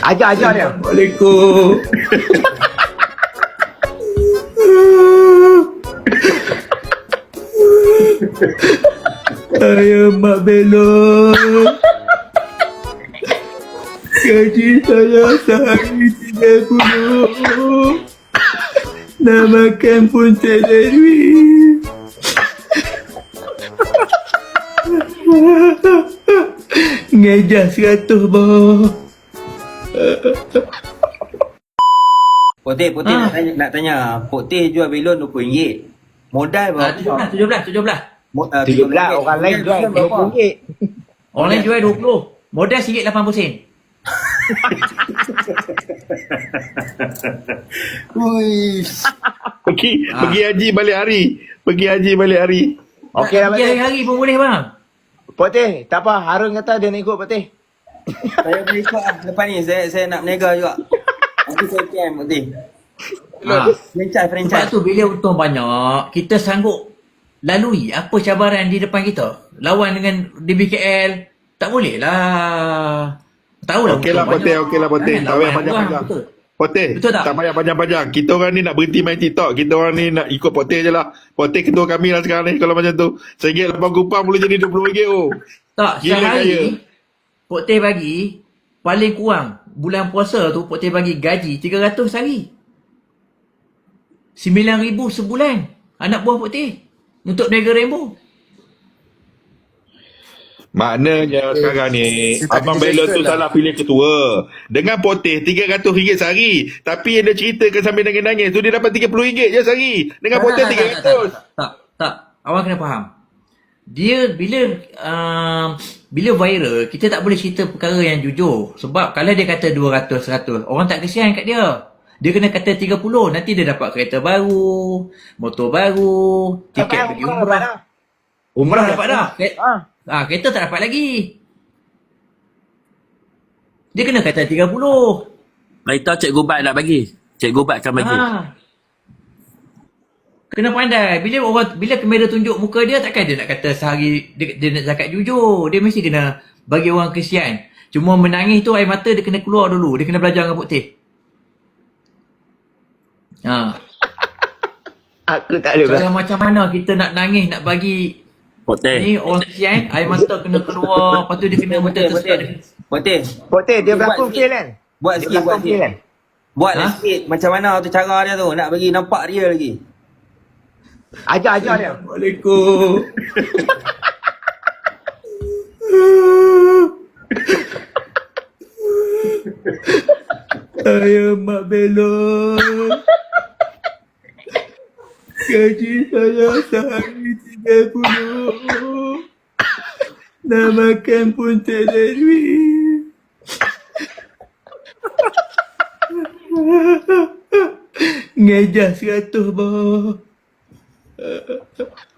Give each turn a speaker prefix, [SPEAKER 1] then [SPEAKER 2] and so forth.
[SPEAKER 1] Ajar dia.
[SPEAKER 2] Assalamualaikum. Saya Mak Belon. Gaji saya sehari 30. Nak makan pun tak ada duit. Ngejah 100 boh.
[SPEAKER 3] Putih nak tanya. Putih jual belon RM20. Modal berapa?
[SPEAKER 4] 17.
[SPEAKER 1] 17 orang lain jual RM20.
[SPEAKER 4] Orang lain jual 20. Modal RM1.80.
[SPEAKER 3] Ui.
[SPEAKER 2] Pergi haji balik hari.
[SPEAKER 1] Okey lah
[SPEAKER 4] Pergi
[SPEAKER 1] Putih.
[SPEAKER 4] hari-hari pun boleh bang.
[SPEAKER 1] Putih, tak apa. Harun kata dia nak ikut Putih.
[SPEAKER 3] Saya boleh ikut lah. Lepas ni saya nak berniaga juga. Nanti saya PM Putih. Franchise.
[SPEAKER 4] Sebab tu bila untung banyak, kita sanggup lalui apa cabaran di depan kita. Lawan dengan DBKL, tak boleh lah. Tahulah
[SPEAKER 2] Okeylah
[SPEAKER 4] untung
[SPEAKER 2] Putih.
[SPEAKER 4] banyak.
[SPEAKER 2] Tak payah panjang-panjang.
[SPEAKER 4] Betul.
[SPEAKER 2] Poteh,
[SPEAKER 4] Betul tak?
[SPEAKER 2] tak payah panjang-panjang. Kita orang ni nak berhenti main TikTok. Kita orang ni nak ikut Poteh je lah. Poteh ketua kami lah sekarang ni kalau macam tu. RM1.8 boleh jadi RM20 oh.
[SPEAKER 4] Tak,
[SPEAKER 2] Gila kaya.
[SPEAKER 4] sehari Pok Teh bagi paling kurang bulan puasa tu Pok Teh bagi gaji 300 sehari. 9,000 sebulan anak buah Pok Teh untuk berniaga Rainbow.
[SPEAKER 2] Maknanya sekarang ni Abang Belon tu salah pilih ketua. Dengan Poteh RM300 sehari. Tapi yang dia ceritakan sambil nangis-nangis tu dia dapat RM30 je sehari. Dengan Poteh RM300.
[SPEAKER 4] Tak. Awak kena faham. Dia bila viral, kita tak boleh cerita perkara yang jujur. Sebab kalau dia kata 200, 100, orang tak kesian kat dia. Dia kena kata 30, nanti dia dapat kereta baru, motor baru, tiket pergi umrah. Umrah dapat dah. Kereta tak dapat lagi. Dia kena kata 30.
[SPEAKER 5] Kereta Cikgu Bat nak bagi. Cikgu Bat akan bagi.
[SPEAKER 4] Kena pandai. Bila kamera tunjuk muka dia, takkan dia nak kata sehari dia nak cakap jujur. Dia mesti kena bagi orang kesian. Cuma menangis tu air mata dia kena keluar dulu. Dia kena belajar dengan Pok Teh.
[SPEAKER 1] Aku tak boleh.
[SPEAKER 4] Kalau macam mana kita nak nangis, nak bagi
[SPEAKER 5] Poteh.
[SPEAKER 4] ni orang kesian, air mata kena keluar. Lepas tu dia kena mata tersekat.
[SPEAKER 1] Putih, dia berlakon fail kan?
[SPEAKER 3] Buat
[SPEAKER 1] Dia
[SPEAKER 3] sikit.
[SPEAKER 1] berlakon fail kan?
[SPEAKER 3] Buatlah sikit macam mana tu cara dia tu. Nak bagi nampak dia lagi.
[SPEAKER 1] Ajar dia.
[SPEAKER 2] Assalamualaikum. Saya Mak Belon. Gaji saya sehari 30. Nak makan pun tak ada duit. Ngejah 100 boh.